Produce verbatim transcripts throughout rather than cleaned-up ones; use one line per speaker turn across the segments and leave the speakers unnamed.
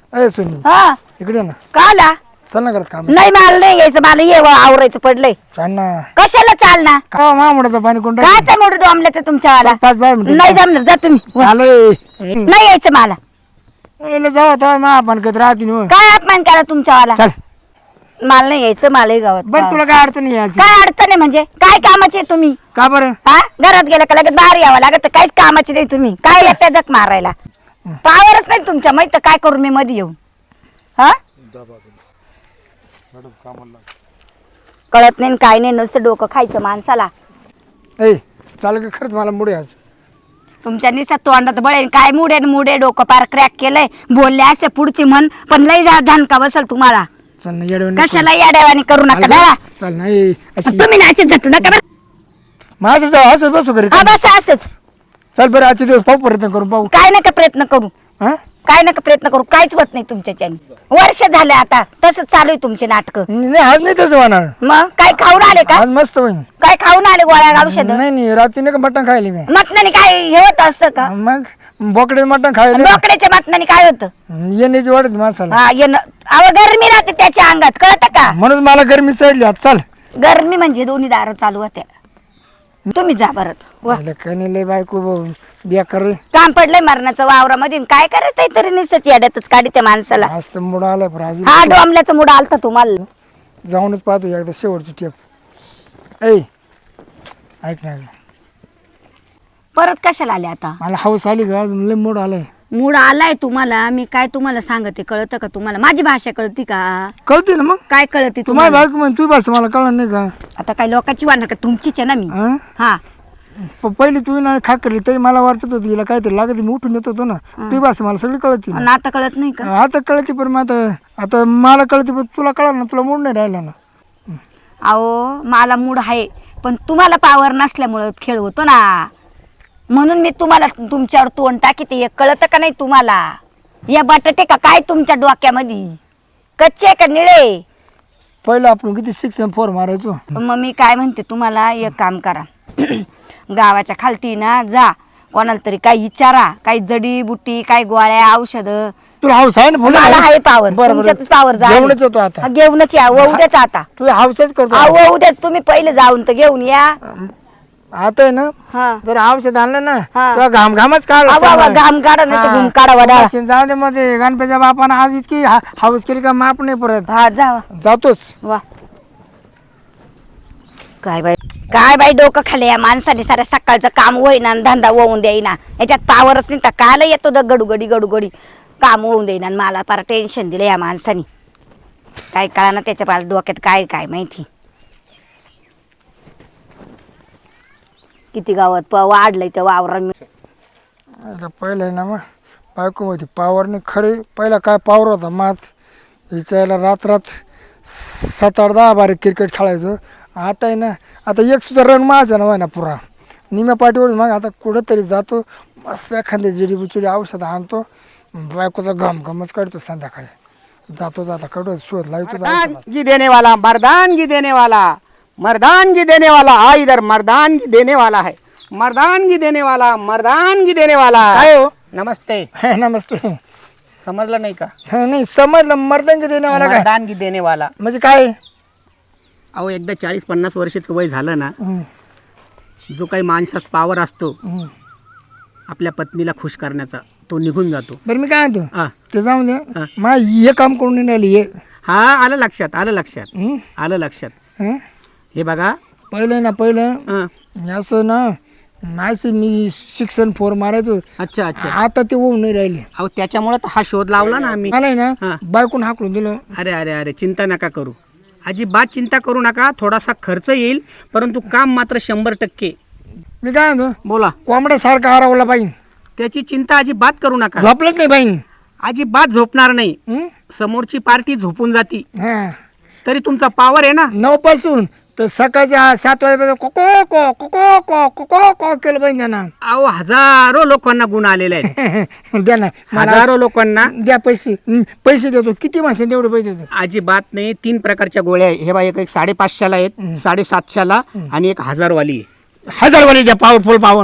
ए Sony
हा
इकडे ना
का आला
चल ना करत काम
नाही मला नाही यायचं मला ये आवरायचं पडलंय
चाल ना
कशाला चाल ना
का मा म्हणत पाणी कोण
कायचा मोठं डोंबल्याचं तुमच्यावाला
पाच बाय मिनिट
नाही जमणार जा तुम्ही
चालू
नाही यायचं मला
जाऊ आता मा आपण कधी राहते नि
काय अपमान केला तुमच्यावाला
चल
मला नाही यायचं मलाही गावात
बरं तुला काय अडचण नाही याची
काय अडचण आहे म्हणजे काय कामाचे आहे तुम्ही
का बरं
हा घरात गेलं का लगेच बाहेर यावं लागत काहीच कामाचे नाही तुम्ही काय येते जग मारायला पावरच नाही तुमच्या माहित काय करू मी मध्ये येऊन हा कळत नाही काय नाही नुसतं डोकं खायचं माणसाला
ए चाल का खरंच मला मुळे आज
तुमच्या निसात तोंडात बळेन काय मुडे न मुडे डोकं पार क्रॅक केलंय बोलले असे पुढची म्हण पण लई जा धनका बसल तुम्हाला
चल ना येडवण
कशाला याड्यावानी करू नका दादा
चल नाही
तुम्ही ना असेच झटू नका बरं.
माझं जाऊ असं बसू घरी
हा बस असंच
चल बरं आजचे दिवस पाहू प्रयत्न करू पाहू
काय नका प्रयत्न करू
हा
काय नका प्रयत्न करू काहीच होत नाही तुमच्याच्याने वर्ष झाले आता तसंच चालू आहे तुमचे नाटक
नाही आज नाही तसं होणार
मग काय खाऊन आले का
आज मस्त होईल
काय खाऊन आले गोळ्या औषध
नाही नाही रात्री नाही का मटण खायली मी
मटणाने काय हे होत असतं का
मग बोकडे मटण खायले
बोकड्याच्या मटणाने काय होतं
येण्याची वाढत माणसाला
हा येणं अहो गरमी राहते त्याच्या अंगात कळतं का
म्हणून मला गरमी चढली आज चल
गरमी म्हणजे दोन्ही दार चालू होत्या तुम्ही जा परत व.
कणी लय बायको बेकार रे.
काम पडलंय मरणाचं वावरामध्ये काय करायचं तरी निसत येड्यातच काढी त्या माणसाला
आज तर मुड आलाय पण आज
हा डोंबल्याचा मुड आलता तुम्हाला
जाऊनच पाहतो एकदा शेवटची टेप ऐ ऐक ना
परत कशाला आले आता
मला हाऊस आली का अजून लय मूड आलाय
मूड आलाय तुम्हाला मी काय तुम्हाला सांगते कळतं का तुम्हाला माझी भाषा कळती का
कळते ना मग
काय कळते
तू माझी
तुम्हाला
बायको म्हण तू बस मला कळलं नाही का
आता काय लोकांची वाढणार का तुमचीच आहे ना मी
हा?
हा
प- पहिली तू ना खा करली तरी मला वाटत होती हिला काहीतरी लागत मी उठून येत होतो ना तू बस मला सगळी कळती
आणि आता कळत नाही का
आता कळते पण मग आता आता मला कळते पण तुला कळलं ना तुला मूड नाही राहिला ना
अहो मला मूड आहे पण तुम्हाला पावर नसल्यामुळं खेळ होतो ना म्हणून मी तुम्हाला तुमच्यावर तोंड टाकीते हे कळतं का नाही तुम्हाला या बटाटे का काय तुमच्या डोक्यामध्ये कच्चे का निळे
पहिलं आपण किती सिक्स एम फोर मारायचो
मग मी काय म्हणते तुम्हाला एक काम करा गावाच्या खालती ना जा कोणाला तरी काही विचारा काही जडी बुटी काही गोळ्या औषधं
तुला हाऊस आहे ना फुलं
मला आहे पावर
बरं, बरं.
तुमच्यातच पावर जा
घेऊनच येतो आता
हा, घेऊनच या व उद्याच आता
तू हाऊसच करतो
अहो उद्याच तुम्ही पहिले जाऊन तर घेऊन या
आता आहे ना
हा
जर औषध आणलं ना
हा.
तुला घाम घामच काढ
अहो, अहो, घाम काढा नाही तर घुम काढा वडाळा.
जाऊ दे मध्ये गणपतीच्या बापानं आज इतकी हा- हाऊस केली का माप नाही परत
हा जा
जातोच
वा काय बाई काय बाई डोकं खाले या माणसाने साऱ्या सकाळचं काम होईना आणि धंदा होऊन देईना याच्यात पावरच नाही तर काल येतो द गडूगडी गडूगडी काम होऊन देईना आणि मला फार टेन्शन दिलं या माणसाने काय कळा ना त्याच्या पार डोक्यात काय काय माहिती किती गावात प वाढलंय त्या वावरा
आता पहिलं आहे ना मग बायको होती पावर नाही खरे पहिला काय पावर होता मात हिच्याला रात रात सात आठ दहा बारीक क्रिकेट खेळायचो आता आहे ना आता एक सुद्धा रन माझा ना ना पुरा निम्या पाठीवर मग आता कुठंतरी जातो मस्त एखाद्या जिडी बुचिडी औषध आणतो बायकोचा घम घमच काढतो संध्याकाळी जातो जाता काढतो शोध लावतो
मर्दानगी देने वाला मर्दानगी देने वाला मर्दानगी देने वाला आ इधर मर्दानगी देने वाला है मर्दानगी देने वाला मर्दानगी देने वाला
काय हो
नमस्ते
हे नमस्ते
समजलं नाही का
हे नाही समजलं मर्दंगी देणे मला काय
मर्दानगी देने वाला
म्हणजे काय
अहो एकदा चाळीस पन्नास वर्षाचं वय झालं ना
हम्म,
जो काही माणसात पावर असतो
हम्म.
आपल्या पत्नीला खुश करण्याचा तो निघून जातो
बरं मी काय म्हणतो
हा
ते जाऊन
हा.
दे मा हे काम करून नाही राहिली हे
हा आलं लक्षात आलं लक्षात
हम्म,
आलं लक्षात
हं?
हे बघा
पहिलं ना पहिलं
हं.
मी असं ना असं मी शिक्षण फोर मारायचो
अच्छा अच्छा
आता ते होऊन नाही राहिले
अहो त्याच्यामुळे तर हा शोध लावला ना आम्ही
मला आहे
हा.
ना बायकून हाकलून दिलं
अरे अरे अरे चिंता नका करू अजिबात चिंता करू नका थोडासा खर्च येईल परंतु काम मात्र शंभर टक्के
मी काय म्हणतो
बोला
कोंबड्यासारखा हरवला पाहिजे
त्याची चिंता अजिबात करू नका
झोपलंच नाही पाहिजे
अजिबात झोपणार नाही
हं?
समोरची पार्टी झोपून जाती
हा
तरी तुमचा पावर आहे ना
नऊ पासून तर सकाळच्या सात वाजेपर्यंत कोको को कोको को कोको को केलं पाहिजे त्यांना
अहो हजारो लोकांना गुण आलेले आहेत
द्या ना मला
हजारो लोकांना
द्या पैसे हं, पैसे देतो किती माणसं तेवढे पैसे देतो
अजिबात नाही तीन प्रकारच्या गोळ्या आहे हे बा एक एक साडेपाचशेला आहेत साडेसातशेला आणि एक हजारवाली आहे
हजार वाली द्या पॉवरफुल पॉवर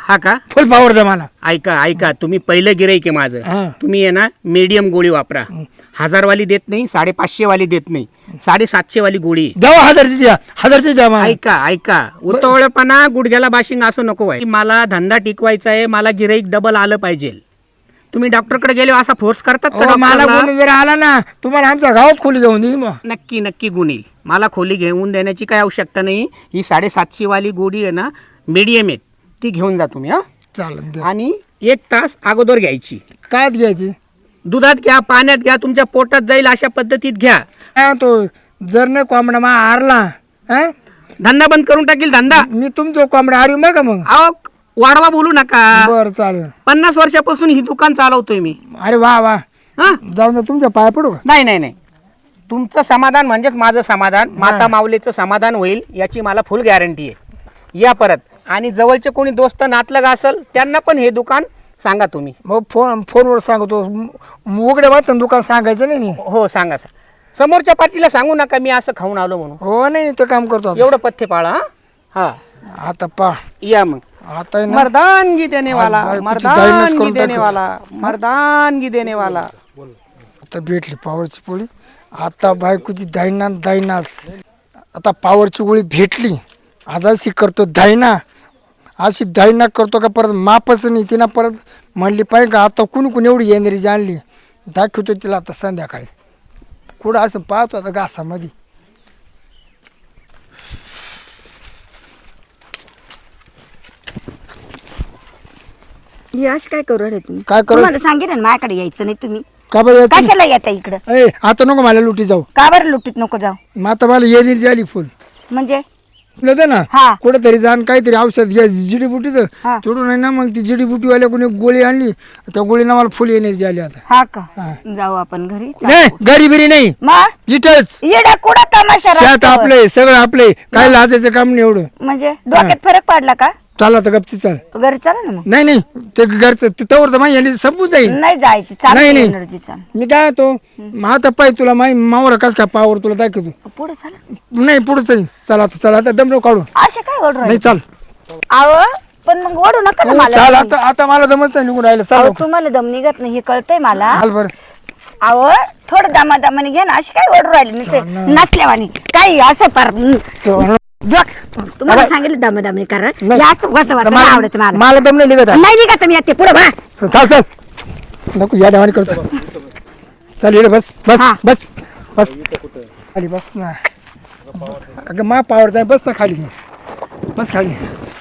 हा का
फुल पावर द्या मला.
ऐका ऐका तुम्ही पहिलं गिराईक आहे माझं.
हा.
तुम्ही आहे ना मीडियम गोळी वापरा. हजारवाली देत नाही, साडेपाचशे वाली देत नाही, साडेसातशे वाली गोळी आहे.
द्यावा हजारची द्या, हजारची द्या मला.
ऐका ऐका उतवळपणा गुडघ्याला बाशिंग असं नको आहे. मला धंदा टिकवायचा आहे, मला गिराईक डबल आलं पाहिजे. तुम्ही डॉक्टरकडे गेले असा फोर्स करतात का
अहो, मला
डॉक्टरला?
कोणी जर आला ना तुम्हाला आमच्या गावात खोली घेऊन देईन मग.
नक्की नक्की गुण येईल. मला खोली घेऊन देण्याची काय आवश्यकता नाही. ही साडेसातशे वाली गोडी आहे ना, मीडियम आहे, ती घेऊन जा तुम्ही. हा
चालेल द्या.
आणि एक तास अगोदर घ्यायची.
काय घ्यायची?
दुधात घ्या, पाण्यात घ्या, तुमच्या पोटात जाईल अशा पद्धतीत घ्या.
हा, तो जर नाही कोंबडा मा हारला हा?
धंदा बंद करून टाकील धंदा.
मी तुमचं कोंबडा हारू मग का मग?
अहो वाढवा बोलू नका.
बरं चालेल.
पन्नास वर्षापासून ही दुकान चालवतोय मी.
अरे वा वा,
हा
जाऊन दे, तुमच्या पाय पडू का?
नाही नाही नाही, तुमचं समाधान म्हणजेच माझं समाधान. माता माऊलीचं समाधान होईल याची मला फुल गॅरंटी आहे. या परत. आणि जवळचे कोणी दोस्त नातलग असेल त्यांना पण हे दुकान सांगा तुम्ही.
मग फोन फोनवर सांगतो. म- उघड्या वाटतं दुकान सांगायचं नाही नी.
हो सांगा सर. समोरच्या पार्टीला सांगू नका मी असं खाऊन आलो म्हणून.
हो नाही नाही, ते काम करतो आता.
एवढं पथ्य पाळा. हा हा
आता पा
या मग.
आता आहे ना,
मर्दानगी देने वाला,
आज बायकोची
मर्दानगी
दाईनच करून
देने
टाकू.
वाला, मर्दानगी देने वाला.
आता भेटली पावरची पोळी. आता बायकोची दायना दायनाच. आता पावरची गोळी भेटली. आज अशी करतो दायना, अशी दायना करतो का परत मापच नाही. तिनं परत म्हणली पाहिजे का आता कुणी कुणी एवढी एनर्जी आणली. दाखवतो तिला आता संध्याकाळी. कुठं असं पाहतो आता घासामध्ये.
हे अशी काय करू राहिले तुम्ही?
काय करू?
तुम्हाला सांगितलं ना माझ्याकडे यायचं नाही तुम्ही.
का बरं यायचं?
कशाला येता इकडं?
ए आता नको मला लुटी जाऊ.
का बरं लुटीत नको जाऊ?
मग आता मला एनर्जी आली फुल.
म्हणजे
होतं ना
हा.
कुठेतरी जाण काहीतरी औषध घ्या जिडीबुटीचं.
हा.
थोडं नाही ना, मग ती जिडीबुटीवाल्या कोणी गोळी आणली. त्या गोळीनं मला फुल एनर्जी आली आता.
हा का?
हा.
जाऊ आपण घरी.
नाही घरी बिरी नाही,
मग
इथंच
येडा कुठं तमाशा
शेत
रस्त्यावर?
आपले सगळं आपले. काय लाजायचं काम नाही एवढं.
म्हणजे डोक्यात फरक पडला का?
चाल आता गपची चाल.
घरी चला ना मग.
नाही नाही, ते घरचं तिथवर तर माझी एनर्जी संपून जाईल.
नाही जायची. चाल
नाही, नाही.
एनर्जी चाल.
मी काय होतो मग आता पाहिजे तुला माही मावर कस काय पावर तुला दाखवतो.
पुढे चला.
नाही पुढे चल. चला आता चला आता दमडो काढू.
असे काय ओढ
नाही चाल.
आव पण मग ओढू नका ना
हो,
मला.
चाल आता आता मला दमत नाही निघून राहिलं.
अहो,
चाल
तुम्हाला दम निघत नाही हे कळतंय मला.
चाल बरं.
अहो थोडं दमा दमाने घ्या ना. अशी काय ओढू राहिली नुसते नसल्यावानी काही असं पार
चल.
डोक- तुम्हाला सांगितलं दमा दमाने करा.
नाही.
जास्त वाचा वाचा नाही आवडत मला.
मला दम नाही निघत आहे.
नाही निघत मी येते पुढे बा.
चाल चल नको या देवानी करतो. चल इकडे बस बस
हा.
बस बस खाली बस ना. अगं मा पावर जाय बस ना खाली. बस खाली.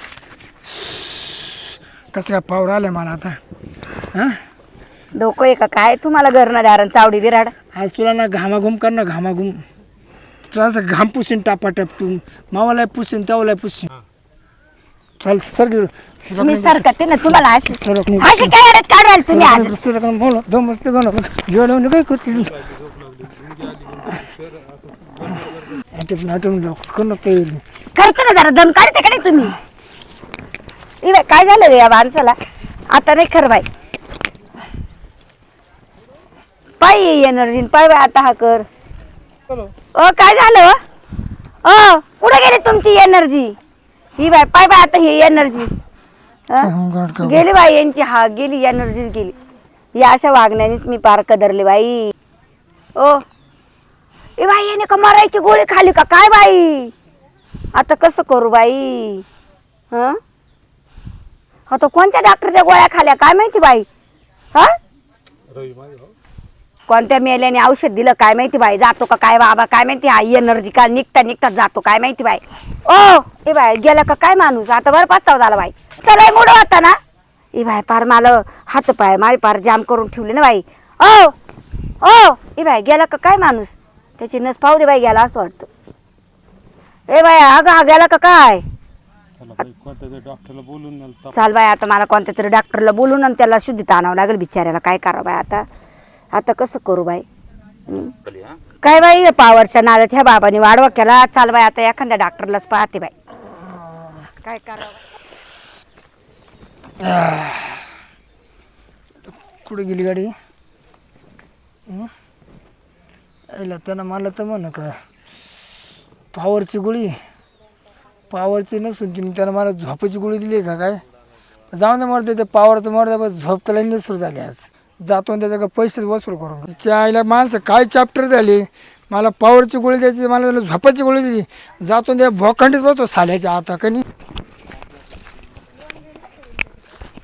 कसं काय पावर आलाय मला आता. हां
डोकं आहे का काय तुम्हाला घरनं दारण चावडी बिराड.
आज तुला ना घामाघूम कर ना घामाघूम. तुला असं घाम पुसीन टापाटप तू. मावाला पुसीन त्यावाला पुसीन. चल सर
तुम्ही सरकते ना तुम्हाला अशी
सरक नाही.
अशी काय अडत काढाल तुम्ही आज. करते ना जरा दम काढते का नाही तुम्ही. ए बाई, काय झालं रे या माणसाला. आता नाही खरं बाई. पाय एनर्जी पाय बाई आता हा कर. ओ काय झालं ओ कुठे गेली तुमची एनर्जी. ही बाय पाय बाय आता ही एनर्जी गेली बाई यांची. हा गेली एनर्जीच गेली. या अशा वागण्यानेच मी पार कदरले बाई. ओ ए बाई याने का मरायची गोळी खाली का काय बाई. आता कसं करू बाई. हं आता कोणत्या डॉक्टरच्या गोळ्या खाल्या काय माहिती बाई. हा कोणत्या मेल्याने औषध दिलं काय माहिती बाई. जातो का काय बाबा काय माहिती. हा एनर्जी का निघता निघता जातो काय माहिती बाई. ओ ए बाई गेला का काय माणूस. आता बरं पस्ताव झाला बाई. चला मोड होता ना. ए बाई पार मला हात पाय माझे पार जाम करून ठेवले ना बाई. ओ ओ ए बाई गेला का काय माणूस. त्याची नस पाहू दे बाई गेला असं वाटतं. ए बाई अगं हा गेला का काय. चाल बाई आता मला कोणत्या तरी डॉक्टरला बोलून आणि त्याला शुद्धीत आणावं लागेल बिचाऱ्याला. काय करा बाई आता. आता कसं करू बाई. हं? काय बाई पावरच्या नादात ह्या बाबाने वाढवा केला. चाल बाई आता एखाद्या डॉक्टरलाच पाहते बाई. काय करावं.
कुठे गेली गाडी. यायला त्यानं मला तर म्हण का पावरची गोळी. पावरची नसून की त्यानं मला झोपाची गोळी दिली का काय. जाऊन दे मरते ते पावरचं मरते बस झोप त्याला निसरू झाली आज जातो आणि त्याच्याकडे पैसेच वसूल करून तिच्या आईला माणसं काय चॅप्टर झाली मला पावरची गोळी द्यायची मला झोपाची गोळी द्यायची जातो त्या भोखंडीच बसतो साल्याच्या आता कनी